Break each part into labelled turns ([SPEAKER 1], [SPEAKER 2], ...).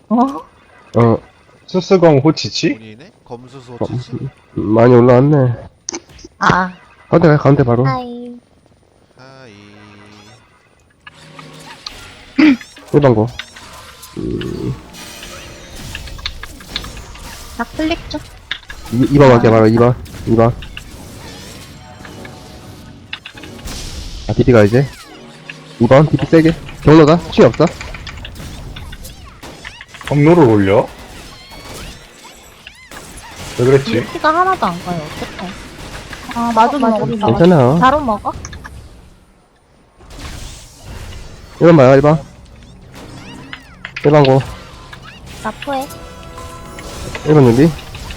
[SPEAKER 1] 어,
[SPEAKER 2] 수스검 호치치?
[SPEAKER 3] 본인이네? 검수소 치치?
[SPEAKER 1] 많이 올라왔네.
[SPEAKER 4] 아,
[SPEAKER 1] 가운데 가, 가운데 바로.
[SPEAKER 4] 하이.
[SPEAKER 3] 하이.
[SPEAKER 1] 일반고.
[SPEAKER 4] 나 클릭 좀.
[SPEAKER 1] 2번 갈게, 바로 2번. 2번. 아, DP가 이제. 2번, DP 세게. 경로다? 치 없어?
[SPEAKER 2] 경로를 올려? 왜 그랬지?
[SPEAKER 4] 피가 하나도 안 가요. 어떡해. 아, 마주 먹었다.
[SPEAKER 1] 괜찮아.
[SPEAKER 4] 바로 먹어?
[SPEAKER 1] 1번 봐요, 1번. 1번 고.
[SPEAKER 4] 나 포해.
[SPEAKER 1] 1번 준비.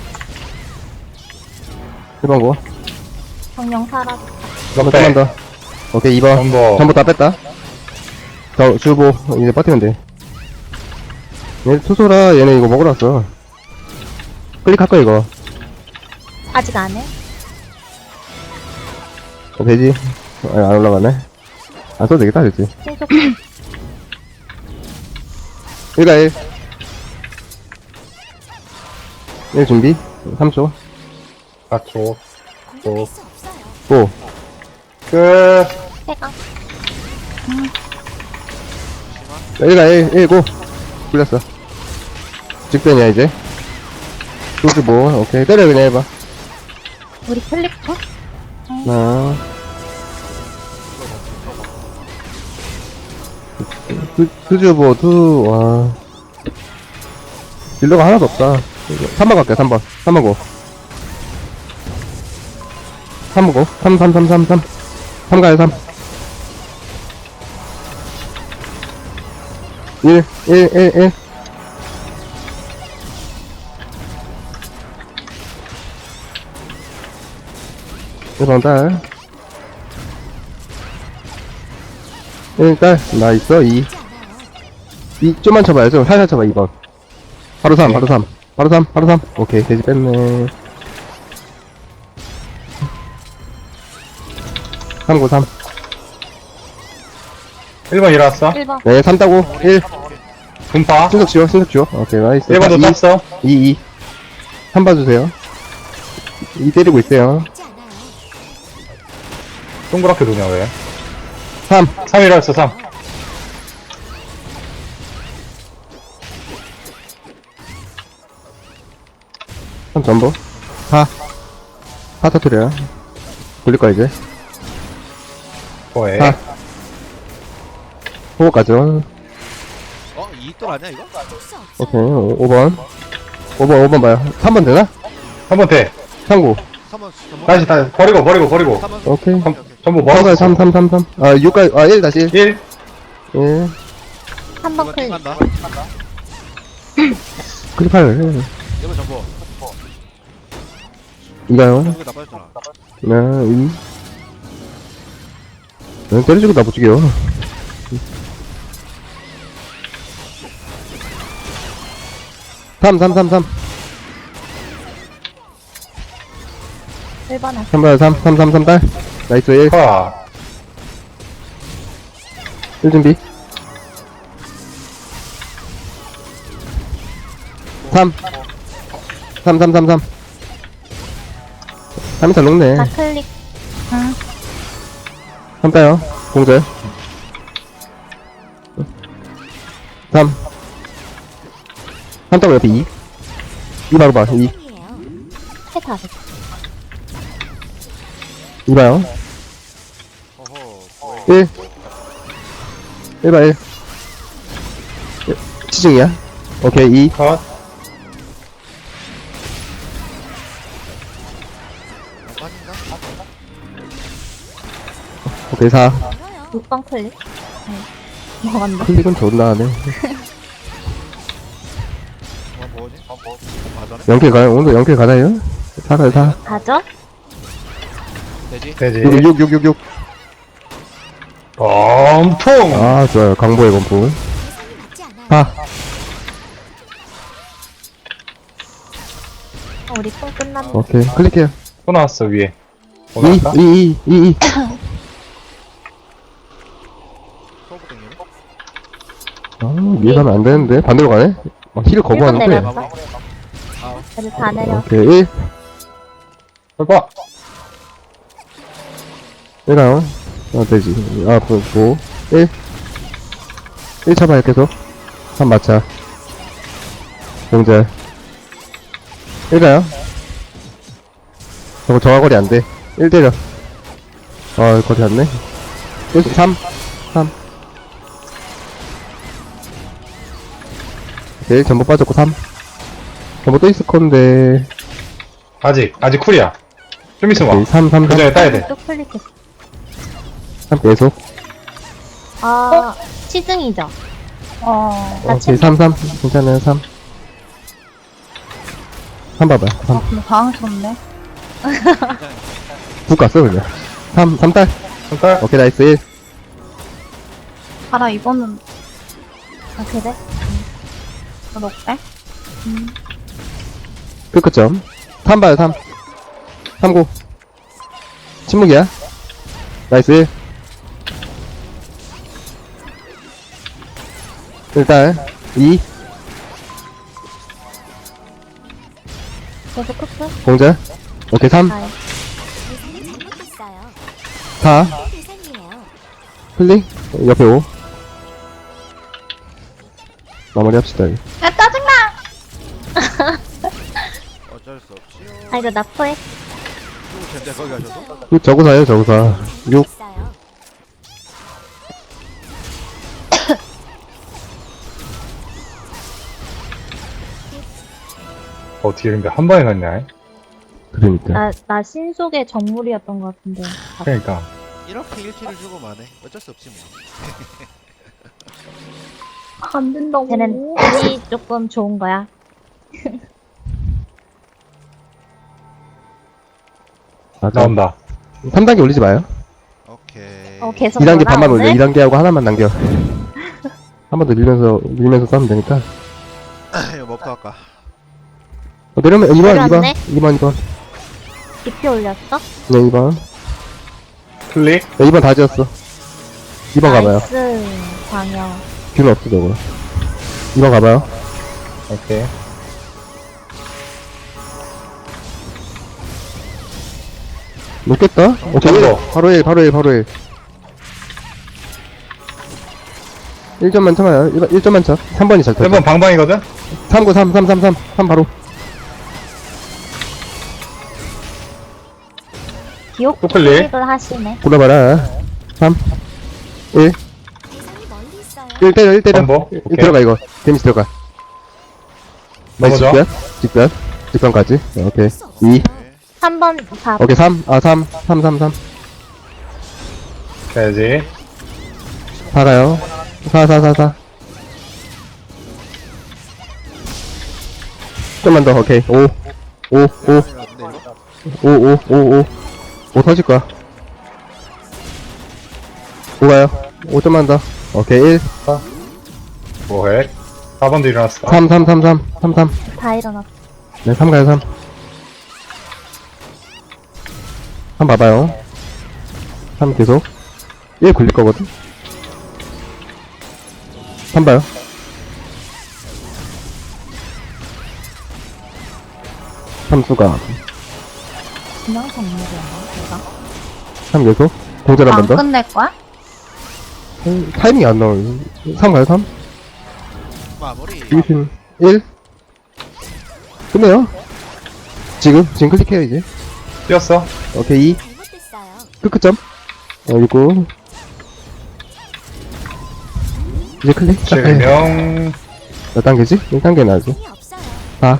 [SPEAKER 1] 1번 고.
[SPEAKER 4] 정령 살아.
[SPEAKER 1] 조금만 더. 오케이, 2번.
[SPEAKER 2] 전부
[SPEAKER 1] 전부 다 뺐다. 주보, 이제 버티면 돼. 얘 투소라, 얘네 이거 먹으러 왔어. 클릭할 거야, 이거.
[SPEAKER 4] 아직 안 해?
[SPEAKER 1] 되지? 안 올라가네. 안 써도 되겠다, 됐지.
[SPEAKER 4] 계속
[SPEAKER 1] 1가 1. 1 준비. 3초.
[SPEAKER 2] 4초. 또,
[SPEAKER 1] 고.
[SPEAKER 2] 끝.
[SPEAKER 4] 해가.
[SPEAKER 1] 1가 1, 고. 풀렸어. 직변이야, 이제. 95. 오케이. 때려, 그냥 해봐.
[SPEAKER 4] 우리 클릭 좀?
[SPEAKER 1] 하나. 투주보, 와. 딜러가 하나도 없다. 3번 갈게, 3번. 3번 고. 3번 고. 3 가요, 3. 1, 1. 1번 딸. 1 딸. 나 있어, 2. 좀만 쳐봐요, 좀. 살살 쳐봐, 2번. 바로 3, 바로 3. 바로 3. 오케이, 돼지 뺐네. 3고 3.
[SPEAKER 2] 1번 일어났어.
[SPEAKER 4] 1번.
[SPEAKER 1] 네, 3 따고. 1.
[SPEAKER 2] 분파.
[SPEAKER 1] 신속 지워. 오케이, 나이스.
[SPEAKER 2] 1번도
[SPEAKER 1] 2,
[SPEAKER 2] 땄어.
[SPEAKER 1] 2. 3 봐주세요. 2 때리고 있어요.
[SPEAKER 2] 동그랗게 도냐, 왜?
[SPEAKER 1] 3.
[SPEAKER 2] 3 일어났어, 3.
[SPEAKER 1] 삼 전부. 4. 4 터트려요. 굴릴 거야, 이제.
[SPEAKER 2] 뭐해?
[SPEAKER 1] 4. 호흡 가죠.
[SPEAKER 3] 어? 2돌 아니야 이거?
[SPEAKER 1] 오케이, 5번. 5번 봐요. 3번 되나?
[SPEAKER 2] 3번 돼.
[SPEAKER 1] 3구.
[SPEAKER 3] 3번
[SPEAKER 2] 다시, 버리고.
[SPEAKER 3] 3번
[SPEAKER 1] 오케이.
[SPEAKER 2] 전부
[SPEAKER 1] 3가요,
[SPEAKER 2] 먹었어.
[SPEAKER 1] 3. 아, 6가요. 아, 1 다시 1.
[SPEAKER 2] 1.
[SPEAKER 1] 1.
[SPEAKER 4] 3번 클릭.
[SPEAKER 3] 간다.
[SPEAKER 1] 클릭할.
[SPEAKER 3] 1번 전보.
[SPEAKER 1] 2가요.
[SPEAKER 3] 이거 나빠졌잖아.
[SPEAKER 1] 네, 2. 때려주고 나 못 죽여. 3.
[SPEAKER 4] 1번에.
[SPEAKER 1] 3 봐요, 3 딸. 나이스, 1.
[SPEAKER 2] 파.
[SPEAKER 1] 1 준비. 3. 3이 잘 녹네.
[SPEAKER 4] 나 클릭. 응.
[SPEAKER 1] 3 따요. 공절. 3. 3 따고 옆에 2. 2 바로 봐, 2.
[SPEAKER 4] 해다 됐어.
[SPEAKER 1] 2 봐요.
[SPEAKER 3] 어허.
[SPEAKER 1] 1. 1 봐, 1. 치중이야. 오케이, 2.
[SPEAKER 2] 컷.
[SPEAKER 3] 아닌가?
[SPEAKER 1] 오케이, 4.
[SPEAKER 4] 6번 클릭. 네. 먹었네.
[SPEAKER 1] 클릭은 존나 하네.
[SPEAKER 3] 뭐지? 맞아네.
[SPEAKER 1] 0킬 가요. 오늘 0킬 가나요? 4 가요, 4.
[SPEAKER 4] 가죠?
[SPEAKER 3] 되지?
[SPEAKER 2] 되지.
[SPEAKER 1] 6.
[SPEAKER 2] 엄통!
[SPEAKER 1] 아, 좋아요. 강보의 건품. 4.
[SPEAKER 4] 우리 콩 끝났네.
[SPEAKER 1] 오케이. 클릭해요.
[SPEAKER 2] 또 나왔어, 위에.
[SPEAKER 1] 2.
[SPEAKER 2] 올라갈까?
[SPEAKER 1] 2.
[SPEAKER 3] 서브 땡기네?
[SPEAKER 1] 아, 위에 가면 안 되는데. 반대로 가네? 힐을 거부하는데.
[SPEAKER 4] 내렸어?
[SPEAKER 3] 마무리. 아,
[SPEAKER 4] 애들 다 내려.
[SPEAKER 1] 오케이, 1.
[SPEAKER 2] 해봐.
[SPEAKER 1] 1가요. 되지. 아, 보고. 1. 1 쳐봐요, 계속. 3 맞춰. 공절. 1가요. 저거 저하거리 안 돼. 1 때려. 거리 안 네. 1, 3. 3. 오케이, 전부 빠졌고 3. 전부 또 있을 건데.
[SPEAKER 2] 아직 쿨이야. 좀 있으면
[SPEAKER 1] 오케이,
[SPEAKER 2] 와.
[SPEAKER 1] 3, 3,
[SPEAKER 2] 그
[SPEAKER 1] 3.
[SPEAKER 2] 전에 따야 돼.
[SPEAKER 4] 또 클릭했어.
[SPEAKER 1] 3 계속.
[SPEAKER 4] 아, 시승이죠? 나
[SPEAKER 1] 오케이, 3, 3. 괜찮아요, 3. 3 봐봐요, 3.
[SPEAKER 4] 근데 당황스럽네.
[SPEAKER 1] 국 갔어, 그냥. 3, 3딸.
[SPEAKER 2] 손가락.
[SPEAKER 1] 오케이, 나이스 1.
[SPEAKER 4] 알아, 이거는. 아, 그래? 너 녹대?
[SPEAKER 1] 끝점. 3 봐요, 3. 3고. 침묵이야. 나이스 1. 일단, 2.
[SPEAKER 4] 계속 크스?
[SPEAKER 1] 공절. 오케이, 3.
[SPEAKER 4] 아이.
[SPEAKER 5] 대상이 잘못됐어요.
[SPEAKER 1] 4.
[SPEAKER 5] 대상이에요.
[SPEAKER 1] 클릭. 옆에 5. 마무리 합시다.
[SPEAKER 4] 야, 짜증나!
[SPEAKER 3] 어쩔 수 없지요.
[SPEAKER 4] 아, 이거 나포해.
[SPEAKER 3] 죽을 텐데, 거기 가셔도.
[SPEAKER 1] 저구사요, 저구사. 6.
[SPEAKER 5] 잘못됐어요.
[SPEAKER 2] 어떻게 근데 한 번에 갔냐?
[SPEAKER 1] 그러니까.
[SPEAKER 4] 나 신속의 정물이었던 것 같은데.
[SPEAKER 2] 그러니까.
[SPEAKER 3] 이렇게 1킬을 주고 마네. 어쩔 수 없지 뭐.
[SPEAKER 4] 안 된다고. 쟤는 운이 조금 좋은 거야.
[SPEAKER 1] 맞아.
[SPEAKER 2] 나온다.
[SPEAKER 1] 3단계 올리지 마요.
[SPEAKER 3] 오케이.
[SPEAKER 4] 계속
[SPEAKER 1] 2단계
[SPEAKER 4] 올라,
[SPEAKER 1] 반만 올려.
[SPEAKER 4] 오늘?
[SPEAKER 1] 2단계 하고 하나만 남겨. 한 번 더 밀면서 싸면 되니까.
[SPEAKER 3] 이거 뭐부터 할까?
[SPEAKER 1] 내려면 2번, 2번.
[SPEAKER 4] 내려왔네?
[SPEAKER 1] 2번, 2번.
[SPEAKER 4] DP 올렸어?
[SPEAKER 1] 네, 2번.
[SPEAKER 2] 클릭.
[SPEAKER 1] 네, 2번 다 지었어. 2번 가봐요.
[SPEAKER 4] 나이스, 광역.
[SPEAKER 1] 균 없어, 저거. 2번 가봐요.
[SPEAKER 2] 오케이.
[SPEAKER 1] 놓겠다? 오케이.
[SPEAKER 2] 점 더.
[SPEAKER 1] 바로 1, 바로 1, 바로 1. 1점만 쳐봐요. 1점만 쳐. 3번이 잘 쳐.
[SPEAKER 2] 1번 방방이거든?
[SPEAKER 1] 3, 9, 3, 3, 3, 3. 3 바로.
[SPEAKER 4] 기억
[SPEAKER 2] 또 클릭.
[SPEAKER 4] 클릭을 하시네.
[SPEAKER 1] 골라봐라. 3, 1.
[SPEAKER 5] 대상이 멀리 있어요.
[SPEAKER 1] 1 때려, 1 때려.
[SPEAKER 2] 덤버?
[SPEAKER 1] 1
[SPEAKER 2] 오케이.
[SPEAKER 1] 들어가, 이거. 데미지 들어가. 나이스,
[SPEAKER 2] 넘어져.
[SPEAKER 1] 직변. 직변까지. 오케이. 2.
[SPEAKER 4] 3번 다.
[SPEAKER 1] 오케이, 3. 3. 3, 3, 3.
[SPEAKER 2] 가야지.
[SPEAKER 1] 4 가요. 4, 4, 4, 4. 좀만 더, 오케이. 5. 5, 5.
[SPEAKER 3] 근데 이거?
[SPEAKER 1] 5, 5, 5, 5. 5 터질 거야. 5 가요. 5점만 더. 오케이, 1.
[SPEAKER 2] 뭐해? 4번도 일어났어.
[SPEAKER 1] 3, 3, 3, 3. 3, 3.
[SPEAKER 4] 다 일어났어.
[SPEAKER 1] 네, 3 가요, 3. 3 봐봐요. 3 계속. 1 굴릴 거거든. 3 봐요. 3 수가.
[SPEAKER 4] 그냥 정물이야, 내가.
[SPEAKER 1] 3 계속. 공절 한 번 더.
[SPEAKER 4] 끝낼 거야?
[SPEAKER 1] 타이밍이 안 나와요. 3 가요, 3.
[SPEAKER 3] 마무리.
[SPEAKER 1] 이기심 1. 끝내요. 지금 클릭해요, 이제.
[SPEAKER 2] 뛰었어.
[SPEAKER 1] 오케이, 2.
[SPEAKER 5] 잘못됐어요.
[SPEAKER 1] 끝점. 그리고. 이제 클릭.
[SPEAKER 2] 실명.
[SPEAKER 1] 몇 단계지? 1단계 나지.
[SPEAKER 5] 대상이 없어요.
[SPEAKER 1] 4.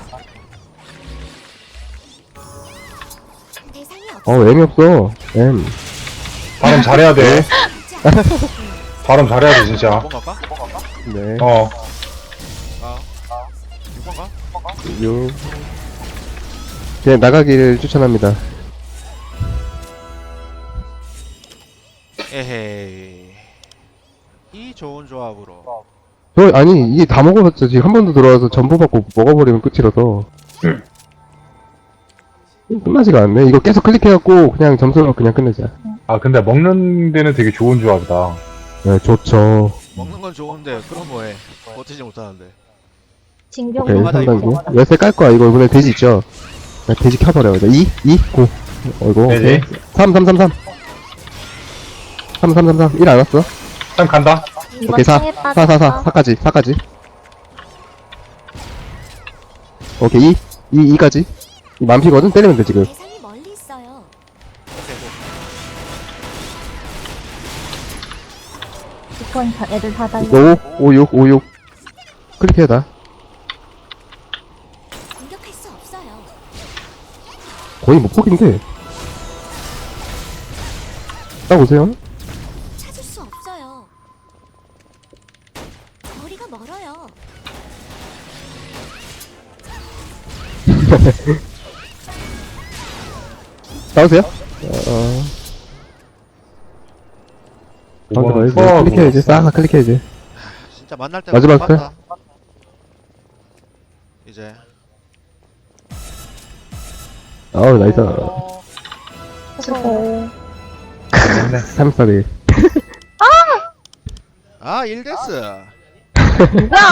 [SPEAKER 5] 대상이 없어요.
[SPEAKER 1] M이 없어. M.
[SPEAKER 2] 발음 잘해야 돼. 발음 잘해야 돼, 진짜.
[SPEAKER 3] 6번 갈까?
[SPEAKER 1] 네.
[SPEAKER 2] 어.
[SPEAKER 3] 아. 6번 가?
[SPEAKER 1] 6. 그냥 나가기를 추천합니다.
[SPEAKER 3] 에헤이. 이 좋은 조합으로.
[SPEAKER 1] 아니, 이게 다 먹어봤죠. 지금 한 번 더 들어와서 전부 받고 먹어버리면 끝이라서. 끝나지가 않네. 이거 계속 클릭해갖고 그냥 점수로 그냥 끝내자.
[SPEAKER 2] 아, 근데 먹는 데는 되게 좋은 조합이다.
[SPEAKER 1] 네, 좋죠.
[SPEAKER 3] 먹는 건 좋은데, 그럼 뭐해. 버티지 못하는데.
[SPEAKER 4] 징병
[SPEAKER 1] 오케이,
[SPEAKER 3] 넘어가자,
[SPEAKER 1] 3단계. 열쇠 깔 거야. 이거 이번에 돼지 있죠? 나 돼지 켜버려. 2, 고. 어이구, 오케이.
[SPEAKER 2] 돼지.
[SPEAKER 1] 3, 3, 3, 3. 3, 3, 3, 3. 1 안 왔어?
[SPEAKER 2] 참 간다.
[SPEAKER 4] 이번
[SPEAKER 1] 오케이, 4.
[SPEAKER 4] 창에
[SPEAKER 1] 4, 4, 4. 4까지, 4까지. 오케이, 2, 2까지. 만피거든? 때리면 돼, 지금.
[SPEAKER 5] 대상이 멀리 있어요.
[SPEAKER 3] 오케이, 고.
[SPEAKER 4] 이번 애들 다 달려.
[SPEAKER 1] 5, 5, 6, 5, 6. 클릭해야 다.
[SPEAKER 5] 공격할 수 없어요.
[SPEAKER 1] 거의 못 포기인데. 딱 오세요.
[SPEAKER 5] 찾을 수 없어요. 거리가 멀어요.
[SPEAKER 1] 나오세요. 가운데
[SPEAKER 2] 이번
[SPEAKER 1] 봐야지. 클릭해야지. 싹 클릭해야지.
[SPEAKER 3] 진짜 만날 때
[SPEAKER 1] 마지막
[SPEAKER 3] 봤다. 이제
[SPEAKER 1] 아우, 나이스.
[SPEAKER 4] 수고.
[SPEAKER 1] 3스타리.
[SPEAKER 3] 아 1데스
[SPEAKER 4] 야!